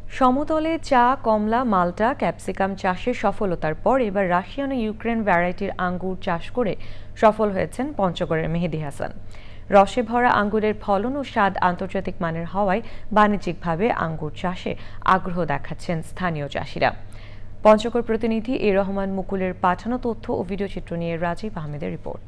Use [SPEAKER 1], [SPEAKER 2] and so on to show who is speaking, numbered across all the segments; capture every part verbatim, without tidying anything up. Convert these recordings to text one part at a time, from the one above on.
[SPEAKER 1] সমতলে চা, কমলা, মাল্টা, ক্যাপসিকাম চাষে সফলতার পর এবার রাশিয়ান ও ইউক্রেন ভ্যারাইটির আঙ্গুর চাষ করে সফল হয়েছেন পঞ্চগড়ের মেহেদী হাসান। রসে ভরা আঙ্গুরের ফলন ও স্বাদ আন্তর্জাতিক মানের হওয়ায় বাণিজ্যিকভাবে আঙ্গুর চাষে আগ্রহ দেখাচ্ছেন স্থানীয় চাষিরা। পঞ্চগড় প্রতিনিধি এ রহমান মুকুলের পাঠানো তথ্য ও ভিডিওচিত্র নিয়ে রাজীব আহমেদের রিপোর্ট।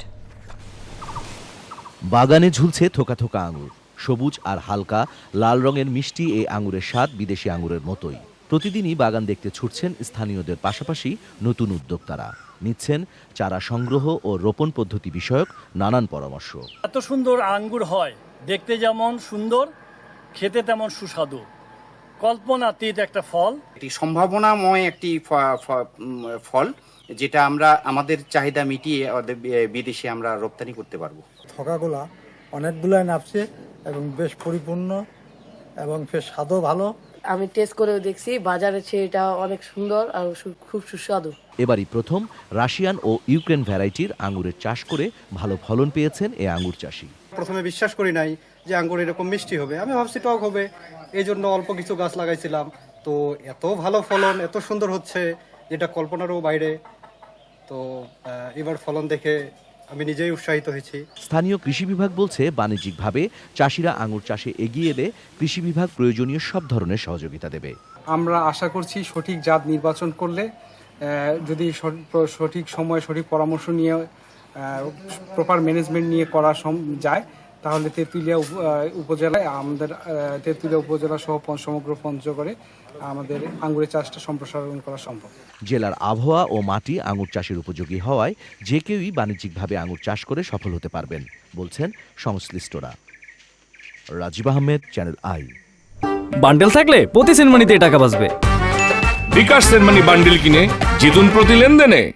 [SPEAKER 2] বাগানে ঝুলছে থোকা থোকা আঙুর। সবুজ আর হালকা লাল রঙের মিষ্টি এই আঙুরের স্বাদ বিদেশি আঙুরের মতোই। প্রতিদিনই বাগান দেখতে ছুটছেন স্থানীয়দের পাশাপাশি নতুন উদ্যোক্তারা। নিচ্ছেন চারা সংগ্রহ ও রোপণ পদ্ধতি বিষয়ক নানান পরামর্শ।
[SPEAKER 3] এত সুন্দর আঙ্গুর হয়, দেখতে যেমন সুন্দর, খেতে তেমন সুস্বাদু, কল্পনাতীত একটা ফল।
[SPEAKER 4] এটি সম্ভাবনাময় একটি ফল, যেটা আমরা আমাদের চাহিদা মিটিয়ে বিদেশে আমরা রপ্তানি করতে পারবো।
[SPEAKER 5] থকাগুলা অনেকগুলাই নাপছে এবং বেশ পরিপূর্ণ এবং বেশ স্বাদও ভালো।
[SPEAKER 6] আমি টেস্ট করেও দেখছি, বাজারে চেয়ে এটা অনেক সুন্দর আর খুব সুস্বাদু।
[SPEAKER 2] এবারই প্রথম রাশিয়ান ও ইউক্রেন ভ্যারাইটির আঙুরের চাষ করে ভালো ফলন পেয়েছেন এই আঙুর চাষি।
[SPEAKER 7] প্রথমে বিশ্বাস করি নাই যে আঙ্গুর এরকম মিষ্টি হবে, আমি ভাবছি টক হবে, এই জন্য অল্প কিছু গাছ লাগাইছিলাম। তো এত ভালো ফলন, এত সুন্দর হচ্ছে যেটা কল্পনারও বাইরে। তো এবার ফলন দেখে আমি নিজেই উৎসাহিত হয়েছি।
[SPEAKER 2] স্থানীয় কৃষি বিভাগ বলছে, বাণিজ্যিকভাবে চাষিরা আঙুর চাষে এগিয়ে এলে কৃষি বিভাগ প্রয়োজনীয় সব ধরনের সহযোগিতা দেবে।
[SPEAKER 8] আমরা আশা করছি সঠিক জাত নির্বাচন করলে, যদি সঠিক সময়ে সঠিক পরামর্শ নিয়ে প্রপার ম্যানেজমেন্ট নিয়ে করা যায়, তাহলে তেঁতুলিয়া উপজেলায় আমাদের তেঁতুলিয়া উপজেলা সহ সমগ্র পঞ্চগড়ে আমাদের আঙ্গুরের চাষটা সম্প্রসারণ করা সম্ভব।
[SPEAKER 2] জেলার আবহাওয়া ও মাটি আঙুর চাষের উপযোগী হওয়ায় যে কেউই বাণিজ্যিকভাবে আঙুর চাষ করে সফল হতে পারবেন বলছেন সংশ্লিষ্টরা। Rajib Ahmed, channel I.
[SPEAKER 9] Bundle থাকলে প্রতি সেনমানিতে টাকা বাঁচবে।
[SPEAKER 10] বিকাশ সেনমানি বান্ডেল কিনে জিতুন প্রতি লেনদেনে।